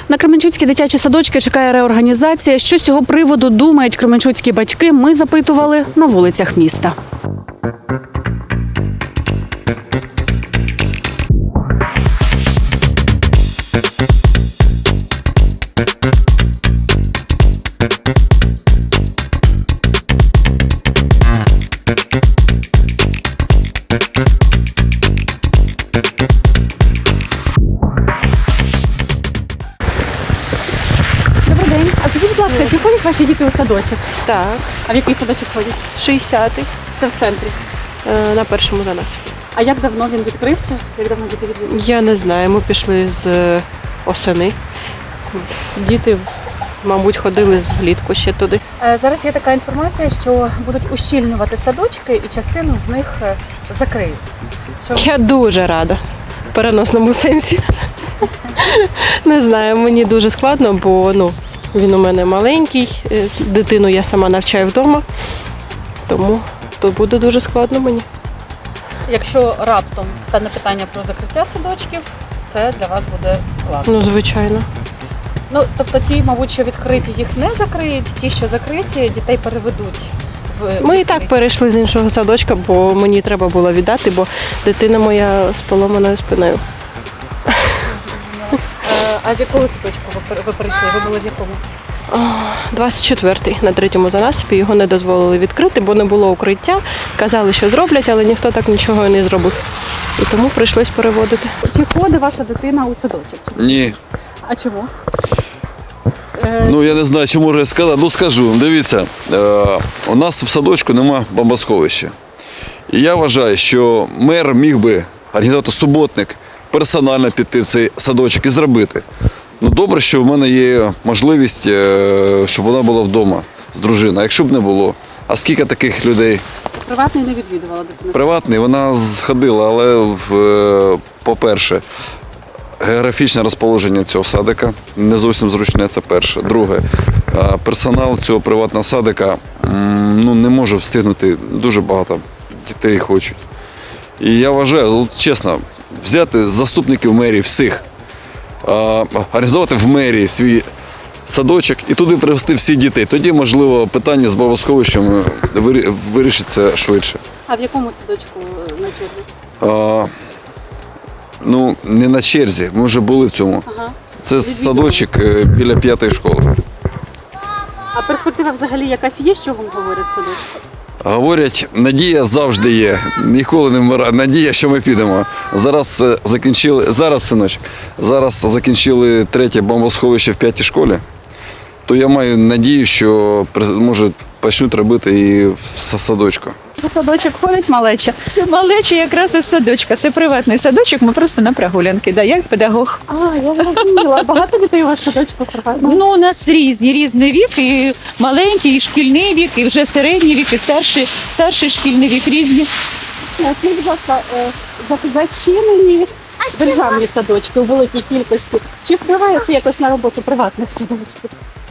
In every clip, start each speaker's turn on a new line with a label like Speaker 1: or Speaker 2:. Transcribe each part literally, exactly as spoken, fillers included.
Speaker 1: На кременчуцькі дитячі садочки чекає реорганізація. Що з цього приводу думають кременчуцькі батьки, ми запитували на вулицях міста. Добрий день. А скажіть, будь ласка, чи ходять ваші діти у садочок?
Speaker 2: Так,
Speaker 1: А в який садочок ходять?
Speaker 2: шістдесятий
Speaker 1: Це в центрі.
Speaker 2: е, на першому за нас.
Speaker 1: А як давно він відкрився? Як давно діти відвідують?
Speaker 2: Я не знаю, ми пішли з е, осени. Діти, мабуть, ходили з влітку ще туди.
Speaker 1: Е, Зараз є така інформація, що будуть ущільнювати садочки і частину з них е, закриють. Що...
Speaker 2: Я дуже рада в переносному сенсі. Не знаю, мені дуже складно, бо ну, він у мене маленький, е, дитину я сама навчаю вдома, тому то буде дуже складно мені.
Speaker 1: Якщо раптом стане питання про закриття садочків, це для вас буде складно.
Speaker 2: Ну, звичайно.
Speaker 1: Ну, тобто ті, мабуть, що відкриті, їх не закриють, ті, що закриті, дітей переведуть в
Speaker 2: Ми і так перейшли з іншого садочка, бо мені треба було віддати, бо дитина моя з поломаною спиною.
Speaker 1: Е, А з якого садочку ви пер- ви перейшли? Ви були в якому?
Speaker 2: двадцять четвертий на третьому занасипі, його не дозволили відкрити, бо не було укриття. Казали, що зроблять, але ніхто так нічого і не зробив. І тому прийшлось переводити.
Speaker 1: Чи ходить ваша дитина у садочок? Чи-
Speaker 3: Ні.
Speaker 1: А чому? Е,
Speaker 3: Ну я не знаю, чи можу сказати. Ну скажу, дивіться, е, у нас в садочку нема бомбосховища. І я вважаю, що мер міг би організувати суботник, персонально піти в цей садочок і зробити. Ну добре, що в мене є можливість, е, щоб вона була вдома з дружиною. А якщо б не було, а скільки таких людей?
Speaker 1: Приватний не відвідувала дитина?
Speaker 3: Приватний, вона сходила, але в, е, по-перше, географічне розположення цього садика не зовсім зручне, це перше. Друге, е, персонал цього приватного садика м, ну, не може встигнути, дуже багато дітей хочуть. І я вважаю, от, чесно, взяти заступників мерії всіх, е, організувати в мерії свій садочок і туди привезти всіх дітей. Тоді, можливо, питання з бомбосховищем вирі- вирішиться швидше.
Speaker 1: А в якому садочку на черзі?
Speaker 3: А, ну, не на черзі, ми вже були в цьому.
Speaker 1: Ага.
Speaker 3: Це садочок е, біля п'ятої школи.
Speaker 1: А перспектива взагалі якась є, що вам говорять садочку?
Speaker 3: Говорять, надія завжди є, ніколи не вмирає. Надія, що ми підемо. Зараз е, закінчили, зараз, синочок, зараз закінчили третє бомбосховище в п'ятій школі, то я маю надію, що може почнуть робити і в с- садочку.
Speaker 4: У садочок ходить малеча. Малеча якраз із садочка. Це приватний садочок, ми просто на прогулянки. Да, я як педагог.
Speaker 1: А, я зрозуміла. Багато дітей у вас в садочку приватного?
Speaker 4: Ну, у нас різні, різний вік, і маленький, і шкільний вік, і вже середній вік, і старший, старший шкільний вік різні.
Speaker 1: А скажіть, будь ласка, е, за- зачинені державні садочки у великій кількості. Чи впливає це якось на роботу приватних садочків?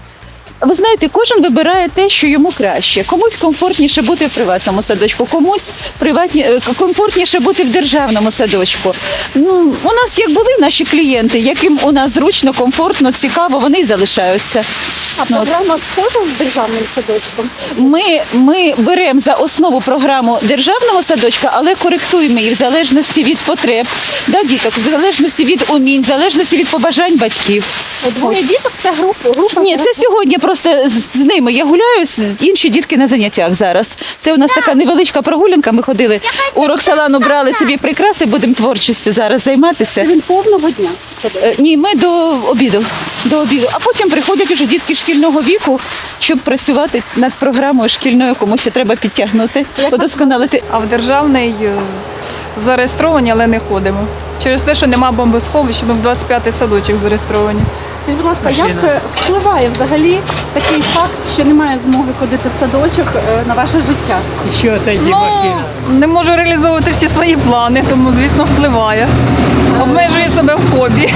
Speaker 4: Ви знаєте, кожен вибирає те, що йому краще. Комусь комфортніше бути в приватному садочку, комусь приватні, е, комфортніше бути в державному садочку. Ну, у нас як були наші клієнти, яким у нас зручно, комфортно, цікаво, вони й залишаються.
Speaker 1: А
Speaker 4: Ну, от.
Speaker 1: програма схожа з державним садочком?
Speaker 4: Ми, ми беремо за основу програму державного садочка, але коректуємо її в залежності від потреб да, діток, в залежності від умінь, в залежності від побажань батьків.
Speaker 1: Двоє діток це група. група
Speaker 4: Ні, це сьогодні просто з, з ними я гуляю, з- інші дітки на заняттях зараз. Це у нас така невеличка прогулянка, ми ходили у Роксолану, брали собі прикраси, будемо творчістю зараз займатися.
Speaker 1: Це він повного дня садочок.
Speaker 4: Е, Ні, ми до обіду, до обіду. А потім приходять вже дітки шкільного віку, щоб працювати над програмою шкільною, кому що треба підтягнути, удосконалити.
Speaker 5: А в державний е, зареєстровані, але не ходимо. Через те, що нема бомбосховища, ми в двадцять п'ятий садочок зареєстровані.
Speaker 1: Скажіть, будь ласка, як е, впливає взагалі такий факт, що немає змоги ходити в садочок е, на ваше життя?
Speaker 6: Еще отойди, машина.
Speaker 5: Не можу реалізовувати всі свої плани, тому, звісно, впливає. Обмежую себе в хобі.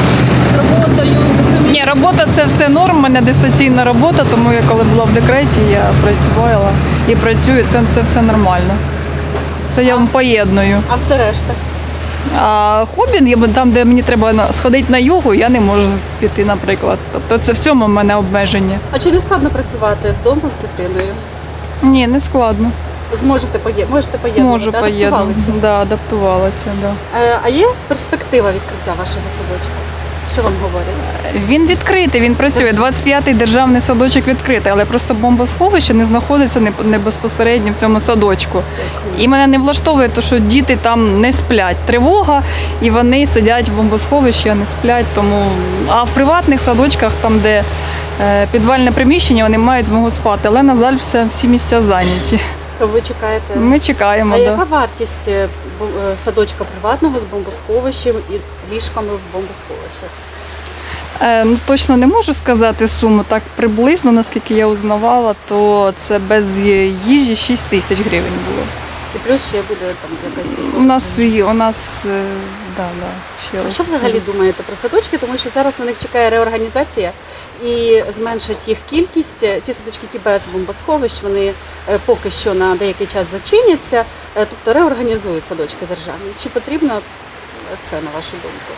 Speaker 1: З роботою, за самим
Speaker 5: Ні, робота це все норм, у мене дистанційна робота, тому я коли була в декреті, я працювала і працюю, це, це все нормально. Це я вам поєдную.
Speaker 1: а все решта?
Speaker 5: А хобі, я б- там, де мені треба на- сходити на йогу, я не можу піти, наприклад. Тобто це в цьому в мене обмеження.
Speaker 1: А чи не складно працювати з дому з дитиною?
Speaker 5: Ні, не складно.
Speaker 1: Зможете поє... можете поєднувати?
Speaker 5: Можу
Speaker 1: да?
Speaker 5: поєднати.
Speaker 1: Адаптувалися?
Speaker 5: Да, адаптувалася, да.
Speaker 1: Е, А є перспектива відкриття вашого садочку? Що вам говорять?
Speaker 5: Він відкритий, він працює. двадцять п'ятий державний садочок відкритий, але просто бомбосховище не знаходиться не, не безпосередньо в цьому садочку. І мене не влаштовує, те, що діти там не сплять. Тривога, і вони сидять в бомбосховищі, а не сплять. Тому... А в приватних садочках, там, де е, підвальне приміщення, вони мають змогу спати. Але, на жаль, все, всі місця зайняті.
Speaker 1: То ви чекаєте?
Speaker 5: Ми чекаємо.
Speaker 1: А
Speaker 5: Да.
Speaker 1: яка вартість е, бу- е, садочка приватного з бомбосховищем і ліжками в бомбосховищах?
Speaker 5: Е, ну, точно не можу сказати суму. Так приблизно, наскільки я узнавала, то це без їжі шість тисяч гривень було.
Speaker 1: І плюс ще буде там якась.
Speaker 5: У нас і у нас е, да, да, ще
Speaker 1: А що взагалі думаєте про садочки? Тому що зараз на них чекає реорганізація і зменшить їх кількість. Ті садочки, які без бомбосховищ, вони е, поки що на деякий час зачиняться, е, тобто реорганізують садочки державні. Чи потрібно це, на вашу думку?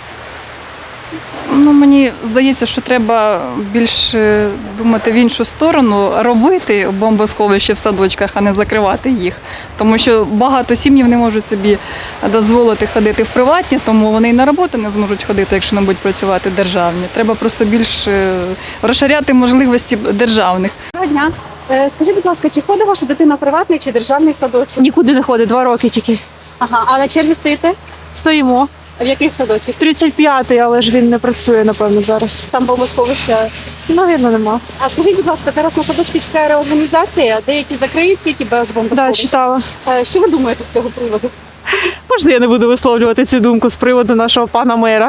Speaker 5: Ну, мені здається, що треба більше думати в іншу сторону, робити бомбосховище в садочках, а не закривати їх. Тому що багато сім'їв не можуть собі дозволити ходити в приватні, тому вони і на роботу не зможуть ходити, якщо не будуть працювати державні. Треба просто більше розширяти можливості державних.
Speaker 1: Доброго дня. Е, Скажіть, будь ласка, чи ходить ваша дитина в приватний чи державний садочок?
Speaker 6: Нікуди не ходить, два роки тільки.
Speaker 1: Ага, а на черзі стоїте?
Speaker 6: Стоїмо.
Speaker 1: А в яких садочках?
Speaker 6: тридцять п'ятий, але ж він не працює, напевно, зараз.
Speaker 1: Там бомбосховища.
Speaker 6: Навірно, нема.
Speaker 1: А скажіть, будь ласка, зараз на садочки чекає реорганізація, деякі закриють тільки без
Speaker 6: Да,
Speaker 1: бомбосховищ.
Speaker 6: читала.
Speaker 1: Е, Що ви думаєте з цього приводу?
Speaker 6: Можна я не буду висловлювати цю думку з приводу нашого пана мера?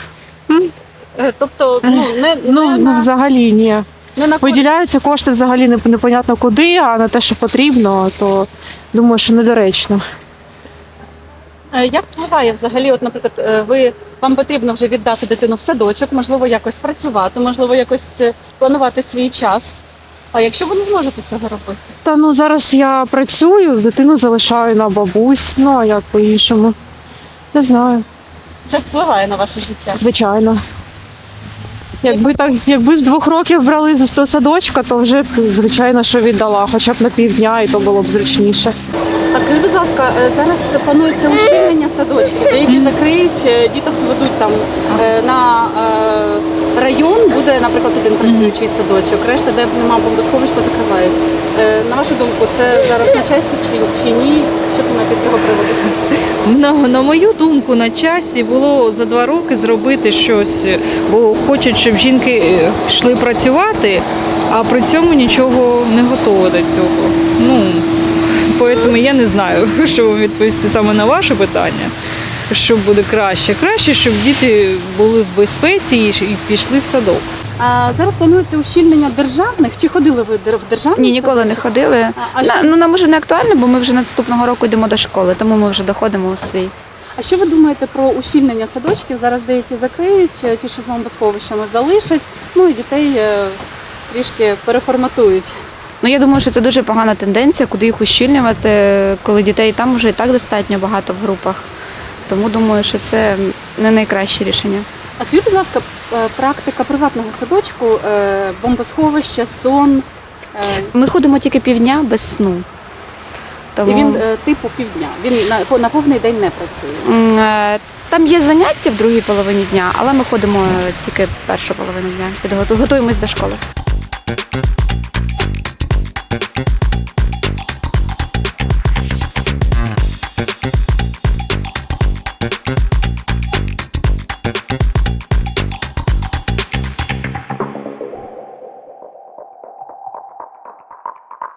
Speaker 1: Е, Тобто, ну не,
Speaker 6: Ну,
Speaker 1: не,
Speaker 6: ну
Speaker 1: на,
Speaker 6: взагалі ні.
Speaker 1: не на користь.
Speaker 6: Виділяються кошти взагалі не- непонятно куди, а на те, що потрібно, то думаю, що недоречно.
Speaker 1: Е, Як впливає взагалі, от, наприклад, е, ви вам потрібно вже віддати дитину в садочок, можливо, якось працювати, можливо, якось е, планувати свій час. А якщо ви не зможете цього робити?
Speaker 6: Та ну зараз я працюю, дитину залишаю на бабусь. Ну а як по-іншому? Не знаю,
Speaker 1: Це впливає на ваше життя.
Speaker 6: звичайно. Якби так, якби з двох років брали з- до садочка, то вже б, звичайно, що віддала, хоча б на півдня, і то було б зручніше.
Speaker 1: А скажіть, будь ласка, е, зараз планується ущільнення садочків, деякі закриють, е, діток зведуть там е, на е, район, буде, наприклад, один працюючий садочок, решта, де немає бомбосховищ, позакривають. Е, На вашу думку, це зараз на часі чи, чи ні? Що думаєте з цього приводу?
Speaker 7: На, на мою думку, на часі було за два роки зробити щось, бо хочуть, щоб жінки е, йшли працювати, а при цьому нічого не готово до цього. Ну, тому я не знаю, що вам відповісти саме на ваше питання, що буде краще. Краще, щоб діти були в безпеці і ш- і пішли в садок.
Speaker 1: А зараз планується ущільнення державних. Чи ходили ви дер- в державний
Speaker 8: Ні, ніколи не
Speaker 1: садочок?
Speaker 8: ходили.
Speaker 1: А, а,
Speaker 8: На,
Speaker 1: що,
Speaker 8: ну нам вже не актуально, бо ми вже наступного року йдемо до школи, тому ми вже доходимо у свій.
Speaker 1: а що ви думаєте про ущільнення садочків? Зараз деякі закриють, е, ті, що з бомбосховищами залишать, ну і дітей е, трішки переформатують.
Speaker 8: Ну я думаю, що це дуже погана тенденція, куди їх ущільнювати, коли дітей там вже і так достатньо багато в групах. Тому думаю, що це не найкраще рішення.
Speaker 1: А скажіть, будь ласка, е, практика приватного садочку, е, бомбосховище, сон, е,
Speaker 8: Ми ходимо тільки півдня без сну. Тому
Speaker 1: і він е, типу півдня. Він на, по- на повний день не працює.
Speaker 8: м, е, там є заняття в другій половині дня, але ми ходимо тільки першу половину дня. Підготу- Готуємось до школи.